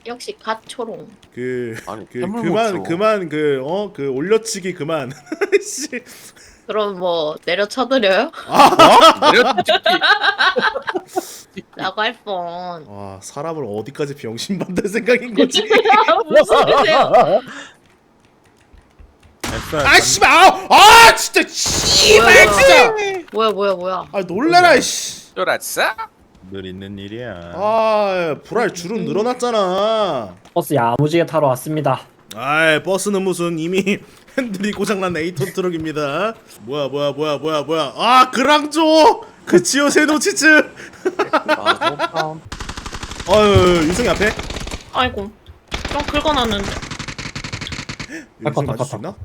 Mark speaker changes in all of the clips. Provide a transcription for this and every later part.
Speaker 1: 역시 갓 초롱.
Speaker 2: 아니,
Speaker 3: 그만 그 올려치기 그만. 씨.
Speaker 1: 그럼 뭐 내려 쳐드려요? 라고 할 뻔.
Speaker 3: 와 사람을 어디까지 병신 만들 생각인 거지?
Speaker 1: 무슨 소리세요?
Speaker 3: 아 씨발 아 진짜 씨발 진짜.
Speaker 1: 뭐야.
Speaker 3: 아 놀래라 씨.
Speaker 2: 쫄았어?
Speaker 4: 늘 있는 일이야.
Speaker 3: 아 불알 줄은 늘어났잖아.
Speaker 5: 버스 야무지게 타러 왔습니다.
Speaker 3: 아이 버스는 무슨 이미 핸들이 고장난 에이톤 트럭입니다. 뭐야 아 그랑조 그 지오 세노치츠. 어유 윤성이 앞에.
Speaker 1: 아이고. 좀 긁어놨는데.
Speaker 3: 윤성이 맞을 수 있나?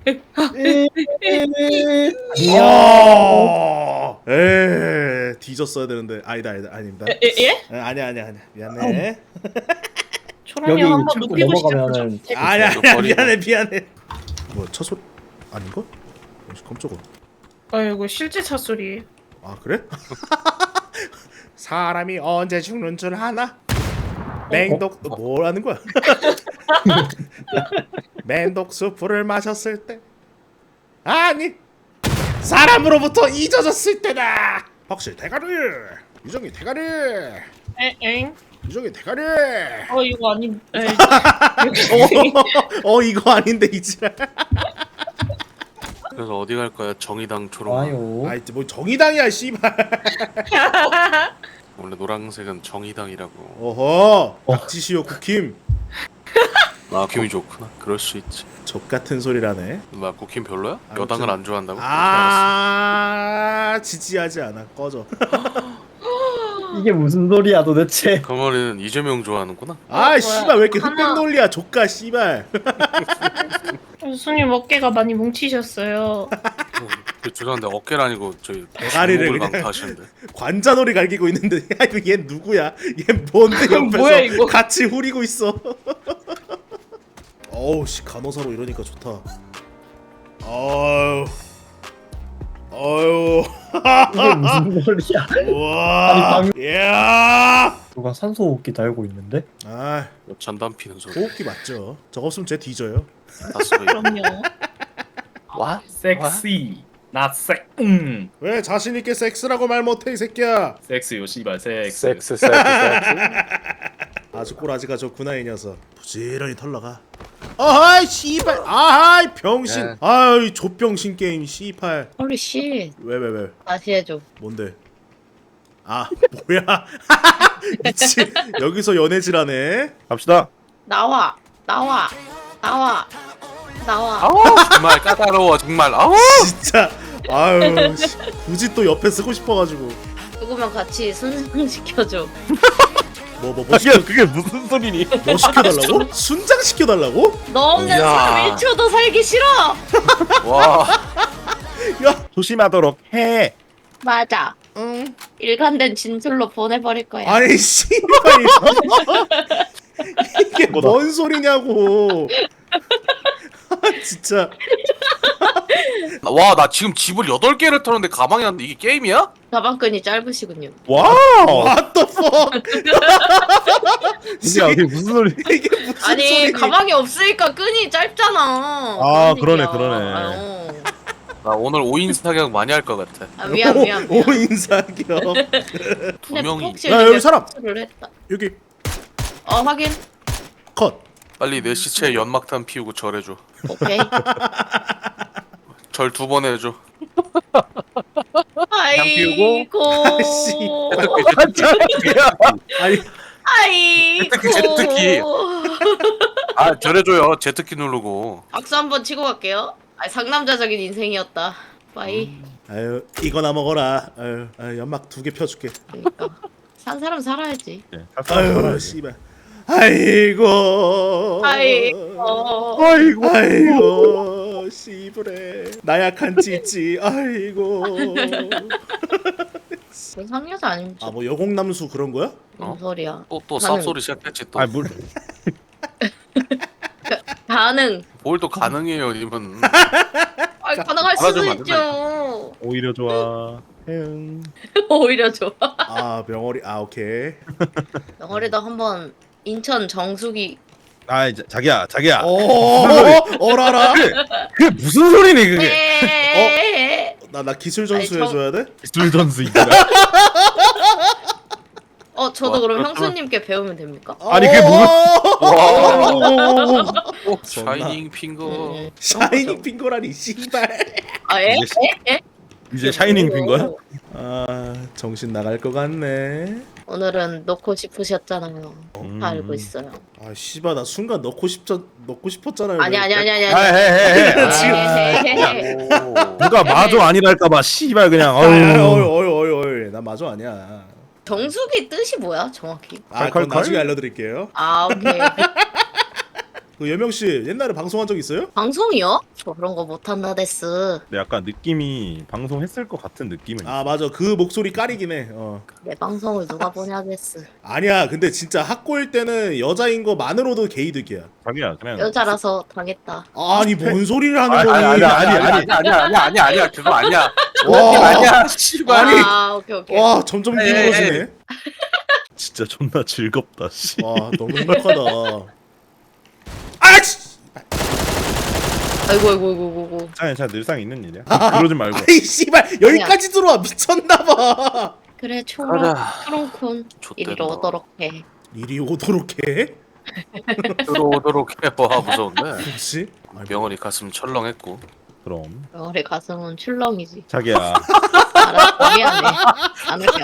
Speaker 5: 안녕.
Speaker 3: 뒤졌어야 되는데 아닙니다.
Speaker 1: 예?
Speaker 3: 아니야 미안해.
Speaker 1: 초롱이
Speaker 5: 여기
Speaker 1: 한번
Speaker 5: 참고
Speaker 1: 눕히고
Speaker 5: 넘어가면은
Speaker 1: 싶죠.
Speaker 3: 아니야 미안해. 뭐야 차 소리 아닌가? 깜짝아.
Speaker 1: 아이고 실제 차 소리.
Speaker 3: 아 그래? 사람이 언제 죽는 줄 아나? 맹독 뭐라는 거야? 맹독수프를 마셨을 때 아니 사람으로부터 잊어졌을 때다. 확실 대가리 유정이 대가리
Speaker 1: 엥?
Speaker 3: 유정이 대가리.
Speaker 1: 이거 아닌.
Speaker 3: 이거 아닌데 이제.
Speaker 2: 그래서 어디 갈 거야? 정의당 초록.
Speaker 5: 좋아요.
Speaker 3: 아이 뭐 정의당이야 씨발.
Speaker 2: 원래 노란색은 정의당이라고.
Speaker 3: 어허 박지시오 국힘.
Speaker 2: 국힘이 좋구나. 그럴 수 있지.
Speaker 3: 적 같은 소리라네.
Speaker 2: 국힘 별로야?
Speaker 3: 아무튼-
Speaker 2: 여당을 안 좋아한다고?
Speaker 3: 지지하지 않아. 꺼져.
Speaker 5: 이게 무슨 소리야 도대체?
Speaker 2: 그 말은 이재명 좋아하는구나.
Speaker 3: 아 씨발 왜 이렇게
Speaker 1: 하나.
Speaker 3: 흑백 논리야 조카 씨발.
Speaker 1: 손님 어깨가 많이 뭉치셨어요.
Speaker 2: 죄송한데 어깨를 아니고 저희
Speaker 3: 대가리를
Speaker 2: 주먹을
Speaker 3: 그냥.
Speaker 2: 강타하시는데.
Speaker 3: 관자놀이 갈기고 있는데 야 이거 얘 누구야? 얘 뭔데 옆에서
Speaker 1: 뭐야, 이거?
Speaker 3: 같이 후리고 있어. 어우 씨 간호사로 이러니까 좋다. 어유
Speaker 5: 이게 무슨 소리야?
Speaker 3: 와 야.
Speaker 5: 누가 산소호흡기 달고 있는데?
Speaker 3: 아
Speaker 2: 잔담 피는 소리.
Speaker 3: 호흡기 맞죠? 저거 없으면 쟤 뒤져요.
Speaker 2: 다 쓰고 있-
Speaker 1: 그럼요.
Speaker 2: 와?
Speaker 6: 섹시 not 섹
Speaker 3: 왜 자신 있게 섹스라고 말 못해 이 새끼야?
Speaker 6: 섹스요 씨발 섹스
Speaker 3: 아주 꼬라지가 좋구나 이 녀석. 부지런히 털러가. 아이 씨발 아이 병신.
Speaker 2: 네.
Speaker 3: 아이 족병신 게임 씨발.
Speaker 1: 홀리 씨.
Speaker 3: 왜
Speaker 1: 다시 해줘.
Speaker 3: 뭔데? 아 뭐야? 미친 여기서 연애질하네.
Speaker 4: 갑시다.
Speaker 1: 나와.
Speaker 2: 정말 까다로워 정말.
Speaker 3: 진짜 아유 씨, 굳이 또 옆에 쓰고 싶어가지고.
Speaker 1: 죽으면 같이 순상 시켜줘.
Speaker 3: 뭐
Speaker 4: 그게 무슨 소리니?
Speaker 3: 뭐 시켜달라고? 순장 시켜달라고?
Speaker 1: 너 없는
Speaker 2: 이야.
Speaker 1: 삶 1초도 살기 싫어.
Speaker 2: 와.
Speaker 3: 야
Speaker 4: 조심하도록 해.
Speaker 1: 맞아.
Speaker 3: 응.
Speaker 1: 일관된 진술로 보내버릴 거야.
Speaker 3: 아니 씨발 이게 뭔 소리냐고. 아, 진짜
Speaker 2: 와, 나 지금 집을 8개를 털었는데 가방이 안 돼. 이게 게임이야?
Speaker 1: 가방끈이 짧으시군요.
Speaker 4: 와우.
Speaker 3: what the fuck.
Speaker 4: 이게 무슨 소리?
Speaker 3: 이게 무슨
Speaker 1: 아니
Speaker 3: 소리니?
Speaker 1: 가방이 없으니까 끈이 짧잖아.
Speaker 4: 아,
Speaker 1: 그런
Speaker 4: 그러네,
Speaker 1: 얘기야.
Speaker 4: 그러네.
Speaker 1: 아유.
Speaker 2: 나 오늘 5인 사격 많이 할 것 같아.
Speaker 1: 아, 미안.
Speaker 3: 오인사기요.
Speaker 2: 두 명이.
Speaker 1: 혹시
Speaker 3: 야, 여기 사람!
Speaker 1: 를 했다.
Speaker 3: 여기
Speaker 1: 확인.
Speaker 3: 컷.
Speaker 2: 빨리 내 시체에 연막탄 피우고 절해줘.
Speaker 1: 오케이.
Speaker 2: 절 2번 해줘.
Speaker 1: 아이고.
Speaker 3: 아씨. 아니
Speaker 1: 아이고.
Speaker 2: 제트기. 아, 절해줘요. 제트키 누르고.
Speaker 1: 박수 한번 치고 갈게요. 상남자적인 인생이었다. 빠이.
Speaker 3: 아유 이거나 먹어라. 아유 연막 2개 펴줄게.
Speaker 1: 그러니까 산 사람 살아야지.
Speaker 3: 아유 씨발. 아이고. 아이고 씨부레 나약한 찌찌. 아이고.
Speaker 1: 그 상여자 아닙니까?
Speaker 3: 아 뭐 여공남수 그런 거야?
Speaker 1: 무슨 소리야?
Speaker 2: 또
Speaker 1: 가능.
Speaker 2: 쌉소리 시작했지 또.
Speaker 4: 아, 물.
Speaker 1: 가능.
Speaker 2: 뭘 또 가능해요, 님은.
Speaker 1: 가능할 수도
Speaker 2: 알아주면 안
Speaker 1: 있죠.
Speaker 4: 오히려 좋아. 응.
Speaker 1: 오히려 좋아.
Speaker 3: 아 명월이 아 오케이.
Speaker 1: 영월이도 한번 인천 정수기
Speaker 4: 아 이제 자기야
Speaker 3: 어라라.
Speaker 4: 그게 무슨 소리니 그게?
Speaker 1: 에에에에에.
Speaker 3: 나 기술 전수
Speaker 1: 아니,
Speaker 3: 해줘야 돼?
Speaker 4: 기술 전수 이거.
Speaker 1: 저도 그럼 형수님께 배우면 됩니까?
Speaker 4: 아니, 그게 무슨-
Speaker 2: 샤이닝 핑거.
Speaker 3: 샤이닝 핑거라니 씨발.
Speaker 1: 에?
Speaker 4: 이제 이제 샤이닝 핀 거야?
Speaker 3: 아 정신 나갈 것 같네.
Speaker 1: 오늘은 넣고 싶으셨잖아요.
Speaker 4: 음.
Speaker 1: 다 알고 있어요.
Speaker 3: 아 씨발 나 순간 넣고 싶었잖아요.
Speaker 1: 아니.
Speaker 4: 아,
Speaker 3: 지금-
Speaker 1: 헤헤헤헤.
Speaker 4: 누가 마저 아니랄까봐 씨발 그냥.
Speaker 3: 어이 나 마저 아니야.
Speaker 1: 정수기 뜻이 뭐야 정확히?
Speaker 3: 아 그건
Speaker 4: 컬컬컬?
Speaker 3: 나중에 알려드릴게요.
Speaker 1: 아 오케이.
Speaker 3: 그 여명 씨 옛날에 방송한 적 있어요?
Speaker 1: 방송이요? 저 그런 거 못한다 데스.
Speaker 4: 근데 약간 느낌이 방송했을 것 같은 느낌은.
Speaker 3: 아 맞아 그 목소리 까리긴 해.
Speaker 1: 내 방송을 누가 보냐 데스.
Speaker 3: 아니야 근데 진짜 학고일 때는 여자인 거만으로도 게이득이야.
Speaker 4: 자기야 그냥.
Speaker 1: 여자라서 당했다.
Speaker 3: 아니 뭔 소리를 하는
Speaker 4: 아니,
Speaker 3: 거니?
Speaker 2: 아니야 그거 아니야.
Speaker 3: 와,
Speaker 2: 아니야 씨발.
Speaker 3: 아니.
Speaker 1: 오케이.
Speaker 3: 와 점점 길어지네.
Speaker 4: 진짜 존나 즐겁다. 씨.
Speaker 3: 와 너무 행복하다. 아씨.
Speaker 1: 아이고.
Speaker 4: 자 늘상 있는 일이야. 그러지 말고.
Speaker 3: 아이 씨발 여기까지 들어와 미쳤나봐.
Speaker 1: 그래
Speaker 2: 가자.
Speaker 1: 초롱콘 이리로 오도록 해.
Speaker 3: 이리 오도록 해.
Speaker 2: 들어오도록 해봐. 무서운데.
Speaker 3: 혹시?
Speaker 2: 명월이 가슴 철렁했고.
Speaker 4: 그럼
Speaker 1: 우리 가슴은 출렁이지.
Speaker 4: 자기야.
Speaker 1: 알았어 미안해. 안 할게.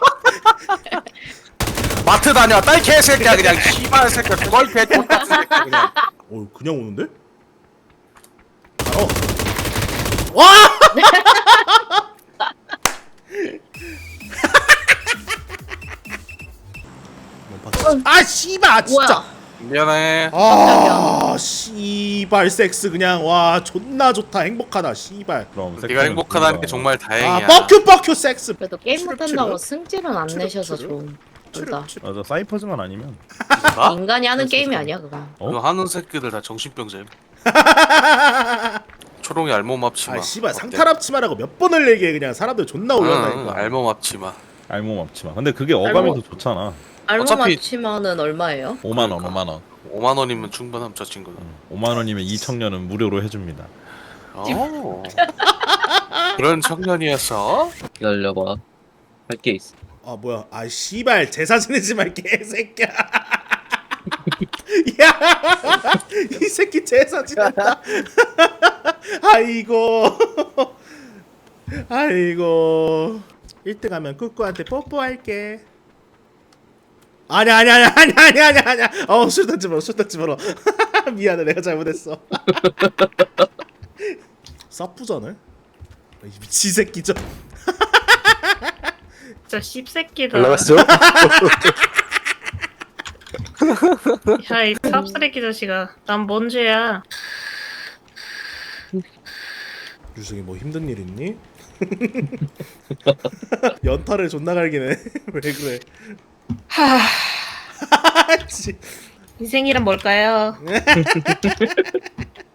Speaker 2: 마트 다녀왔다 이 개새끼야 그냥 씨발 새끼야 그걸 개똥같은 새끼야 그냥.
Speaker 3: 그냥 오는데? 와! 아 씨발 진짜.
Speaker 1: 뭐야?
Speaker 2: 미안해.
Speaker 3: 아 씨발 섹스 그냥 와 존나 좋다 행복하다 씨발.
Speaker 4: 그럼
Speaker 2: 네가 행복하다는 게 정말 다행이야.
Speaker 3: 아 뻑큐 섹스.
Speaker 1: 그래도 게임
Speaker 3: 추르,
Speaker 1: 못한다고
Speaker 3: 추르.
Speaker 1: 승질은 안 내셔서
Speaker 3: 추르.
Speaker 1: 좋은. 둘다
Speaker 4: 맞아 사이퍼즈만 아니면.
Speaker 2: 나?
Speaker 1: 인간이 하는 게임이 아니야 그건.
Speaker 2: 그거 하는 새끼들 다 정신병자임. 초롱이 알몸 앞치마.
Speaker 3: 아 씨발
Speaker 2: 어때?
Speaker 3: 상탈 앞치마라고 몇 번을 얘기해 그냥 사람들 존나
Speaker 2: 응,
Speaker 3: 올렸다니까.
Speaker 2: 알몸 앞치마.
Speaker 4: 알몸 없지만. 근데 그게 어감이 더 좋잖아.
Speaker 1: 알몸
Speaker 2: 어차피-
Speaker 1: 맞추면은 얼마예요?
Speaker 4: 5만 원, 5만 원.
Speaker 2: 5만 원이면 충분함 저 친구는.
Speaker 4: 5만 원이면 이 청년은 무료로 해줍니다.
Speaker 2: 오. 그런 청년이었어?
Speaker 7: 기다려봐. 할 게 있어.
Speaker 3: 아 뭐야 아 씨발 제사 지내지 말 개새끼야. 야이 새끼 제사 지낸다. 아이고 1등 하면 꾸꾸한테 뽀뽀할게. 아니야 술 던지 마라 미안해 내가 잘못했어. 사프잖아 이 미친 새끼죠.
Speaker 8: 진짜 씹새끼다.
Speaker 7: 올라갔어?
Speaker 8: 야, 이 탑쓰레기 자식아. 난 뭔 죄야.
Speaker 3: 유승이 뭐 힘든 일 있니? 연타를 존나 갈기네. 왜 그래?
Speaker 8: 인생이란 뭘까요?